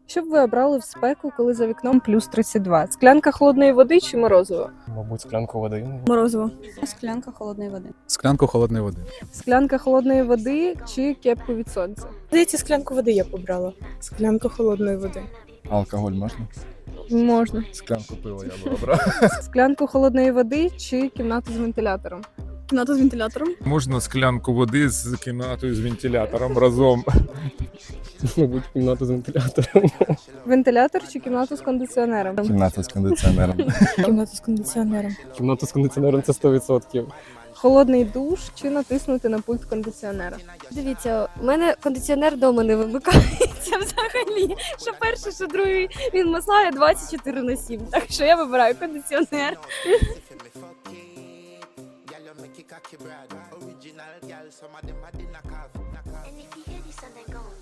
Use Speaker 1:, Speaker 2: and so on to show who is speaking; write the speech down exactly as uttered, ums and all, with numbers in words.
Speaker 1: Що б ви обрали в спеку, коли за вікном плюс тридцять два? Склянка холодної води чи морозиво?
Speaker 2: Мабуть, склянку води.
Speaker 3: Морозиво.
Speaker 4: Склянка холодної води.
Speaker 5: Склянку холодної води.
Speaker 1: Склянка холодної води чи кепку від сонця?
Speaker 3: Здається, склянку води я побрала. Склянку холодної води.
Speaker 6: Алкоголь можна?
Speaker 1: Можна.
Speaker 6: Склянку пива я би обрав.
Speaker 1: Склянку холодної води чи кімнату з вентилятором?
Speaker 3: Кімната з вентилятором.
Speaker 7: Можна склянку води з кімнатою з вентилятором разом.
Speaker 2: Мабуть, кімнату з вентилятором.
Speaker 1: Вентилятор чи кімнату з кондиціонером?
Speaker 6: Кімната з кондиціонером.
Speaker 3: Кімната з кондиціонером.
Speaker 2: Кімнату з кондиціонером це сто відсотків.
Speaker 1: Холодний душ чи натиснути на пульт кондиціонера?
Speaker 8: Дивіться, у мене кондиціонер вдома не вимикається взагалі. Що перший, що другий, він мазає двадцять чотири на сім. Так що я вибираю кондиціонер.
Speaker 9: And if you hear this song, they go.